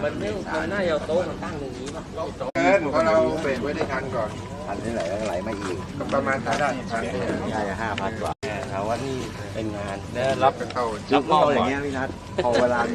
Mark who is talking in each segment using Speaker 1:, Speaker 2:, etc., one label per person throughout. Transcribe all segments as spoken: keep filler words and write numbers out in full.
Speaker 1: มันไม่มันน่าจะเอาโต๊ะมาตั้งตรงนี้ป่ะ
Speaker 2: เกินเพราะเราเบรกไว้ได้ทันก่อน
Speaker 3: พันนี่ไหลไหลมาอีก
Speaker 2: ประมาณทางด้านพันนี่
Speaker 3: ใช่ห้าพันกว่า
Speaker 1: ถามว่านี่เป็นงานแล้วรับ
Speaker 2: เข้า
Speaker 3: รับมอบอย่างเงี้ยพี่นัทพอเวลา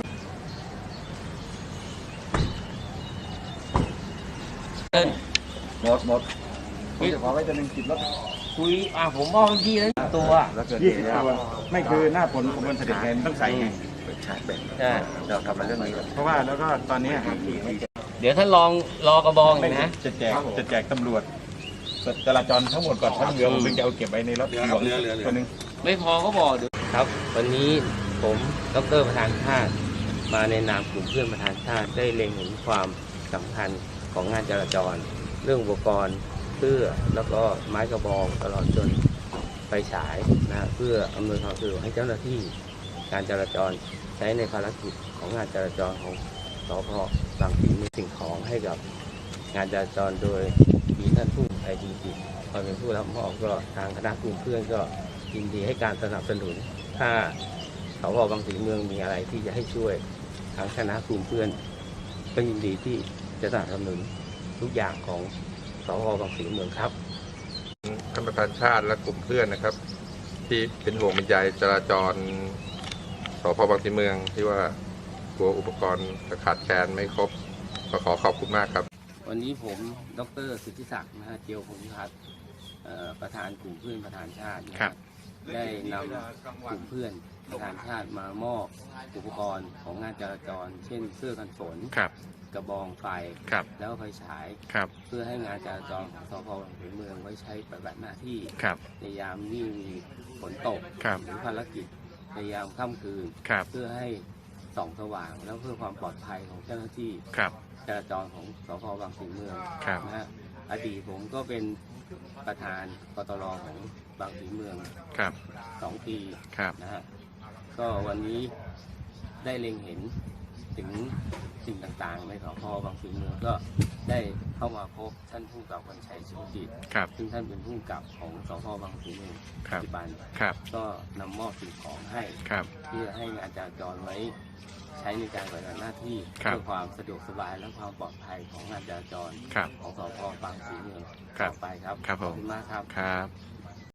Speaker 3: หมดหมดผมจะขอไว้จะหนึ่งสิบรถ
Speaker 1: คุยอ่ะผมมอบพี่แล้วตัว
Speaker 3: ยี่สิบตัวไม่คือหน้าผลของคนเสด็จไงต้องใส่ไง
Speaker 1: ใช่
Speaker 3: เราทำมาเรื่องนี้เพราะว่าแล้วก็ตอนนี้
Speaker 1: เดี๋ยวท่านลองรอกระบองอีกนะ
Speaker 3: จะแจกจะแจกตำรวจจราจรทั้งหมดก่อนทั้งเรือผมจะเอาเก็บไว้ในรถเรือเรือตัวนึง
Speaker 1: ไม่พอก็บอกเดี๋ยวครับวันนี้ผมดร.ประธานชาติมาในนามกลุ่มเพื่อนประธานชาติได้เล็งเห็นความสำคัญของงานจราจรเรื่องอุปกรณ์เสื้อแล้วก็ไม้กระบองตลอดจนไฟฉายนะเพื่ออำนวยความสะดวกให้เจ้าหน้าที่การจราจรใช้ในภารกิจของงานจราจรของสภ.บางพลีมีสิ่งของให้กับงานจราจรโดยมีท่านผู้ไทยดีจิตคอยเป็นผู้รับมอบก็ทางคณะกลุ่มเพื่อนก็ยินดีให้การสนับสนุนถ้าสภ.บางพลีเมืองมีอะไรที่จะให้ช่วยทางคณะกลุ่มเพื่อนก็ยินดีที่จะสนับสนุนทุกอย่างของสภ.บางพลีเมืองครับ
Speaker 2: ท่านประธานชาติและกลุ่มเพื่อนนะครับที่เป็นห่วงเป็นใยจราจรสภ.บางพลีเมืองที่ว่ากลัวอุปกรณ์จะขาดแคลนไม่ครบก็ขอขอบคุณมากครับ
Speaker 1: วันนี้ผมดร.สิทธิศักดิ์นะฮะเจียวพงษ์พัฒน์ประธานกลุ่มเพื่อนประธานชาติได้นำกลุ่มเพื่อนประธานชาติมามอบอุปกรณ์ของงานจราจรเช่นเสื้อกันฝนกระบองไฟแล้วไฟฉายเพื่อให้งานจราจรของสภ.บางพลีเมืองไว้ใช้ปฏิบัติหน้าที่ในยามที่มีฝนตกหรือภารกิจในยามค่ำคืนเพื่อให้ส่องสว่างแล้วเพื่อความปลอดภัยของเจ้าหน้าที่จราจรของสภ.บางพลีเมืองนะฮะอดีตผมก็เป็นประธานกตร.ของบางพลีเมืองสองปีนะฮะก็วันนี้ได้เล็งเห็นถึงสิ่งต่างๆในสภ.บางพลีเมืองก็ได้เข้ามาพบท่านผู้กำกับวันชัยสุจิตซึ่งท่านเป็นผู้กำกับของสภ.บางพลีเมืองปัจจุบันก็นำมอบสิ่งของให้เพื่อให้งานจราจรไว้ใช้ในการปฏิบัติหน้าที่เพื่อความสะดวกสบายและความปลอดภัยของงานจราจรของสภ.บางพลีเมืองต่อไปครับขอบคุณมากครับ